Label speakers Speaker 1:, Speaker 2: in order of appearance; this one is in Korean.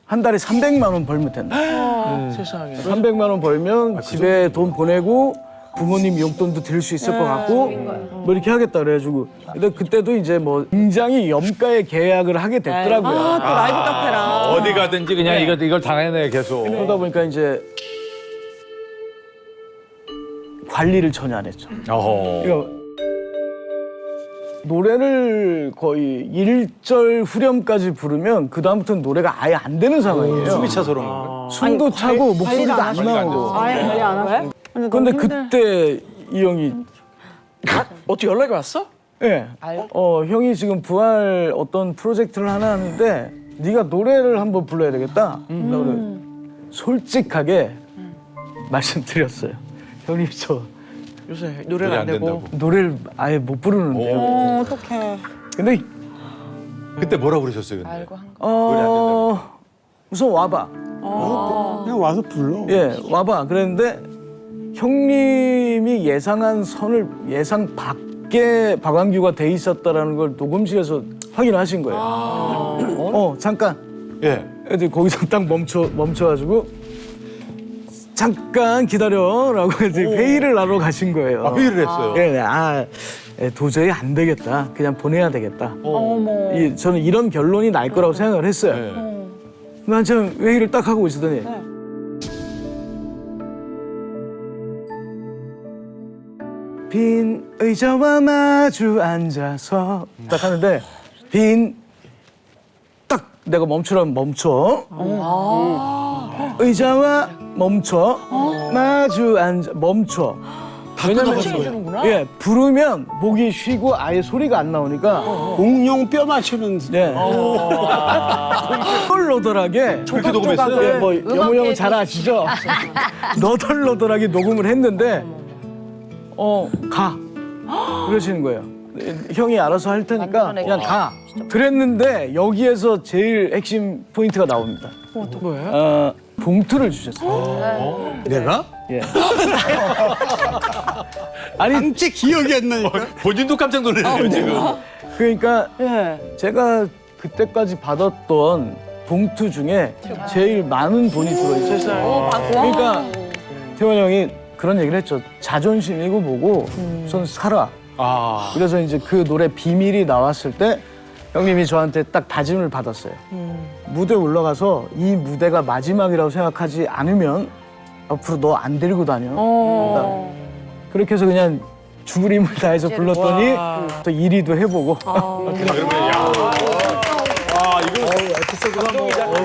Speaker 1: 한 달에 300만 원 벌면 된다.
Speaker 2: 세상에.
Speaker 1: 300만 원 벌면 집에 돈 보내고 부모님 용돈도 드릴 수 있을 것 같고 뭐 이렇게 하겠다 그래가지고 근데 그때도 이제 뭐 굉장히 염가의 계약을 하게 됐더라고요.
Speaker 2: 또 라이브 카페랑.
Speaker 3: 어디 가든지 그냥 이걸 당해내 계속.
Speaker 1: 그러다 보니까 이제 관리를 전혀 안 했죠.
Speaker 3: 어허.
Speaker 1: 그러니까 노래를 거의 1절 후렴까지 부르면 그 다음부터는 노래가 아예 안 되는 상황이에요.
Speaker 4: 숨이 차서 그런 건가?
Speaker 1: 숨도 차고 목소리도 안 나오고.
Speaker 5: 아예 관리 안 하고.
Speaker 1: 근데 그때 이 형이
Speaker 2: 어떻게 연락이 왔어?
Speaker 1: 예. 형이 지금 부활 어떤 프로젝트를 하나 하는데 네가 노래를 한번 불러야 되겠다. 그래서 솔직하게 말씀드렸어요. 형님 저
Speaker 2: 요새 노래가 안
Speaker 3: 안
Speaker 2: 되고.
Speaker 3: 된다고.
Speaker 1: 노래를 아예 못 부르는데요.
Speaker 5: 어떡해.
Speaker 1: 근데
Speaker 3: 그때 뭐라 그러셨어요, 근데?
Speaker 1: 우선 와봐.
Speaker 4: 그냥 와서 불러.
Speaker 1: 예, 와봐. 그랬는데 형님이 예상한 선을 예상 밖에 박완규가 돼 있었다라는 걸 녹음실에서 확인하신 거예요. 잠깐.
Speaker 3: 예.
Speaker 1: 애들 거기서 딱 멈춰가지고 잠깐 기다려라고 이제 회의를 하러 가신 거예요.
Speaker 3: 회의를 했어요.
Speaker 1: 예, 도저히 안 되겠다. 그냥 보내야 되겠다.
Speaker 5: 어머.
Speaker 1: 저는 이런 결론이 날 거라고 생각을 했어요.
Speaker 3: 네.
Speaker 1: 근데 한참 회의를 딱 하고 있었더니 빈 의자와 마주 앉아서 딱 하는데 딱 내가 멈추라면 멈춰. 의자와 멈춰. 마주 앉아 멈춰. 왜냐면 예 부르면 목이 쉬고 아예 소리가 안 나오니까
Speaker 4: 공룡 뼈 맞추는.
Speaker 1: 네. 너덜너덜하게
Speaker 3: 그렇게 녹음했어요?
Speaker 1: 예, 뭐 영호 형은 잘 아시죠? 너덜너덜하게 녹음을 했는데 가 그러시는 거예요. 형이 알아서 할 테니까 그냥 가. 그랬는데 여기에서 제일 핵심 포인트가 나옵니다.
Speaker 2: 뭐예요?
Speaker 1: 봉투를 주셨어요.
Speaker 4: 내가?
Speaker 1: 예. 아니
Speaker 4: 진짜 기억이 안 나니까.
Speaker 3: 본인도 깜짝 놀랐네요, 지금.
Speaker 1: 그러니까
Speaker 5: 예.
Speaker 1: 제가 그때까지 받았던 봉투 중에 제일 많은 돈이 들어있어요.
Speaker 2: 세상에.
Speaker 1: 그러니까 태원 형이 그런 얘기를 했죠. 자존심이고 뭐고 우선 살아.
Speaker 3: 아.
Speaker 1: 그래서 이제 그 노래 비밀이 나왔을 때 형님이 저한테 딱 다짐을 받았어요. 무대 올라가서 이 무대가 마지막이라고 생각하지 않으면 앞으로 너 안 데리고 다녀. 그러니까 그렇게 해서 그냥 죽을 힘을 다해서 불렀더니 또 1위도 해보고.
Speaker 3: 그러면 야. 아, 이거 에피소드가 뭐.